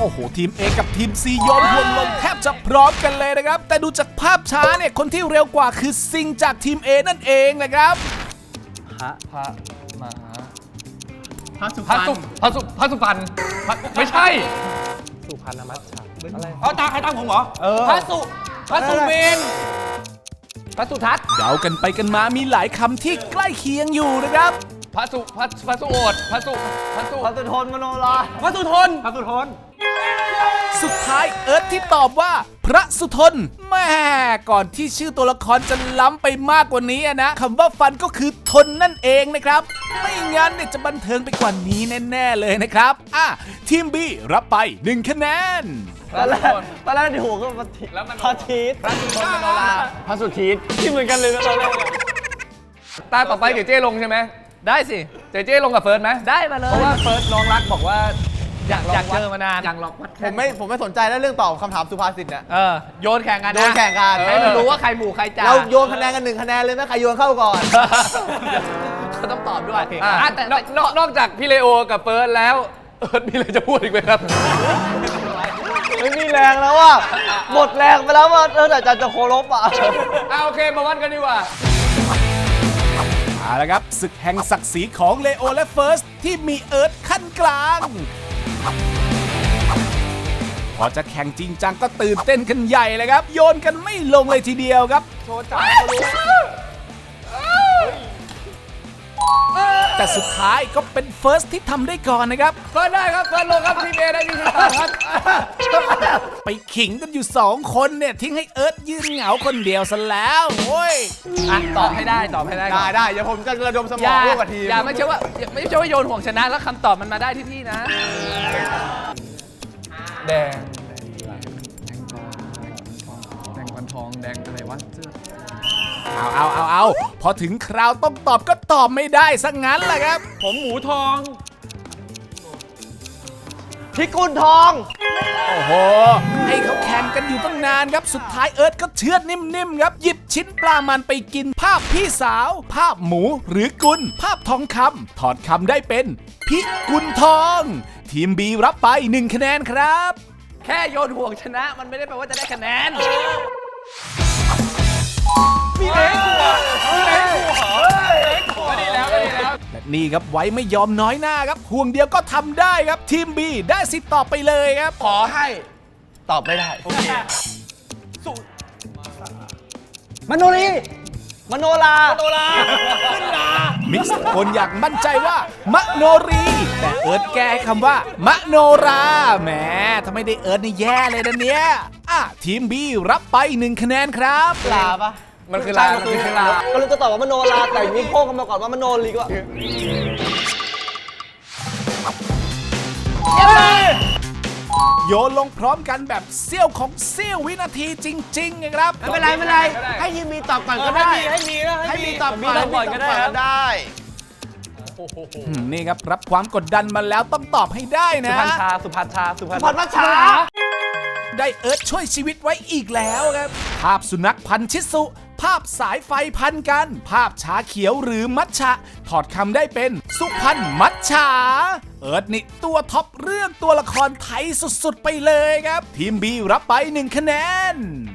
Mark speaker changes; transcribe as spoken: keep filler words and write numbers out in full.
Speaker 1: อ้โหทีม A กับทีม C โยนห่วงลงแทบจะพร้อมกันเลยนะครับแต่ดูจากภาพช้าเนี่ยคนที่เร็วกว่าคือซิงจากทีม A นั่นเองนะครับ
Speaker 2: พระพระมหา
Speaker 3: พระสุ
Speaker 2: พระสุพระสุพระสุพรรณไม่ใช่
Speaker 4: สุพรรณมัชชาอะไร
Speaker 2: เอาตาใครตามผมเหรอ
Speaker 4: เออ
Speaker 2: พระสุพระสุเมน
Speaker 4: พระสุทัศน์
Speaker 1: เดากันไปกันมามีหลายคำที่ใกล้เคียงอยู่นะครับ
Speaker 2: พระสุพระพระสุโอษฐ์พระสุพระสุ
Speaker 4: พระสุทนมโนรา
Speaker 2: พระสุทน
Speaker 4: พระสุทน
Speaker 1: สุดท้ายเอิร์ธที่ตอบว่าพระสุทนแม่ก่อนที่ชื่อตัวละครจะล้ำไปมากกว่านี้นะคำว่าฟันก็คือทนนั่นเองนะครับไม่งั้นเนี่ยจะบันเทิงไปกว่านี้แน่ๆเลยนะครับอ่ะทีม B รับไปหนึ่งคะแนน
Speaker 4: ตอนแรกตอนแรกที่หัวก็พระทิพระทิศ
Speaker 2: พระสุทนมโนรา
Speaker 4: พระสุทิศที่เหมือนกันเลยนะตอนแรก
Speaker 2: ตาต่อไปเดี๋ยวเจ้ลงใช่ไหมได้สิเจ๊เจ้ลงกับเฟิร์สไหมได้มาเลยเพราะว่าเฟิร์สน้องรักบอกว่าอยากอยากเจอมานานอยากลองวัด
Speaker 4: ผมไม่ผมไม่สนใจแล้วเรื่องตอบคำถามสุภาษิตเนี่ย
Speaker 2: เออโยนแข่งกันนะ
Speaker 4: โยนแข่งกัน
Speaker 2: ให้มันรู้ว่าใครหมู่ใครจ่า
Speaker 4: เราโยนคะแนนกันหนึ่งคะแนนเลยไหมใครโยนเข้าก่อน
Speaker 2: เขาต้องตอบด้วยอ่ะแต่นอกนอกนอกจากพี่เลโอกับเฟิร์สแล้วเอิร์ธมีอะไรจะพูดอีกไหมครับ
Speaker 4: ไม่มีแรงแล้วอ่ะหมดแรงไปแล้วว่าเออแต่จะจะโคลบอ่ะ
Speaker 2: อ่ะโอเคมาวัดกันดีกว่า
Speaker 1: เอาละครับศึกแห่งศักดิ์ศรีของเลโอและเฟิร์สที่มีเอิร์ธขั้นกลางพอจะแข่งจริงจังก็ตื่นเต้นกันใหญ่เลยครับโยนกันไม่ลงเลยทีเดียวครับโชว์จับแต่สุดท้ายก็เป็นเฟิร์สที่ทำได้ก่อนนะครับ
Speaker 2: เฟิร์สได้ครับเฟิร์สลงครับทีมเอได้ที่สิบสามครับ
Speaker 1: ไปขิงกันอยู่สองคนเนี่ยทิ้งให้เอิร์ธยืนเหงาคนเดียวซะแล้วโอ้ย
Speaker 2: อ่ะตอบให้ได้ตอบให้ได้ก่
Speaker 4: ได้
Speaker 2: อน
Speaker 4: ได้เดี๋ยวผมจะระดมสม
Speaker 2: อ
Speaker 4: อง
Speaker 2: ย่า
Speaker 4: ร่วมกับทีม
Speaker 2: อย่าไม่ใช่ว่าอย่าไม่ใช่ว่าโยนห่วงชนะแล้วคำตอบมันมาได้ที่พี่นะแดงแดงวันทองแดงอะไรวะ
Speaker 1: เอาเอาเอาเอาพอถึงคราวต้องตอบก็ตอบไม่ได้ซะงั้นแหละครับ
Speaker 2: ผมหมูทอง
Speaker 4: พิกุลทอง
Speaker 1: โอ้โหให้เขาแข่งกันอยู่ตั้งนานครับสุดท้ายเอิร์ธก็เชือดนิ่มๆครับหยิบชิ้นปลามันไปกินภาพพี่สาว ภาพหมูหรือกุลภาพทองคำถอดคำได้เป็นพิกุลทอง ทีม B รับไปหนึ่งคะแนนครับ
Speaker 2: แค่โยนห่วงชนะมันไม่ได้แปลว่าจะได้คะแนนพี่เล็กหัวพี่เล็กหัวเล็กหัวดีแล้วดีแล้ว
Speaker 1: และนี่ครับไว้ไม่ยอมน้อยหน้าครับห่วงเดียวก็ทำได้ครับทีม B ได้สิทธิ์ตอบไปเลยครับ
Speaker 4: ขอให้ตอบไม่ได้โอเคมโนรีมโนรา
Speaker 2: โตลาขึ้นลา
Speaker 1: มิกซ์ตะโกนอย่างมั่นใจว่ามโนรี แต่เอิร์ธแก้ให้คำว่ามโนราแหมถ้าไม่ได้เอิร์ธนี่แย่เลยนะเนี่ยอ่ะทีม B รับไปหนึ่งคะแนนครับ
Speaker 4: ลาปะ
Speaker 2: มันคือลา
Speaker 4: ใช่มันคือลาก็เลยจะตอบว่ามโนราแต่อย่างนี้โค้งกันมาก่อนว่ามโนรีก็
Speaker 1: โยนลงพร้อมกันแบบเสี้ยวของเสี้ยววินาทีจริงๆนะครับ
Speaker 4: ไม่เป็นไรไม่เป็นไรให้ทีมมีตอบก่อนก็ได้
Speaker 2: ให้มีนะ
Speaker 4: ให้มีตอบก่อน
Speaker 2: ให้มีตอบก่อนก็ได้ครับ
Speaker 4: ได้
Speaker 1: อืมนี่ครับรับความกดดันมาแล้วต้องตอบให้ได้
Speaker 2: สุ
Speaker 1: นะ
Speaker 2: พันชาสุพันชาสุพัน
Speaker 4: พันมัชชา
Speaker 1: ได้เอิร์ธช่วยชีวิตไว้อีกแล้วครับ ภาพสุนัขพันธุ์ชิสุ ภาพสายไฟพันกัน ภาพชาเขียวหรือมัทฉะถอดคำได้เป็นสุพรรณมัทฉาเอิร์ธนี่ตัวท็อปเรื่องตัวละครไทยสุดๆไปเลยครับ ทีม B รับไปหนึ่งคะแนน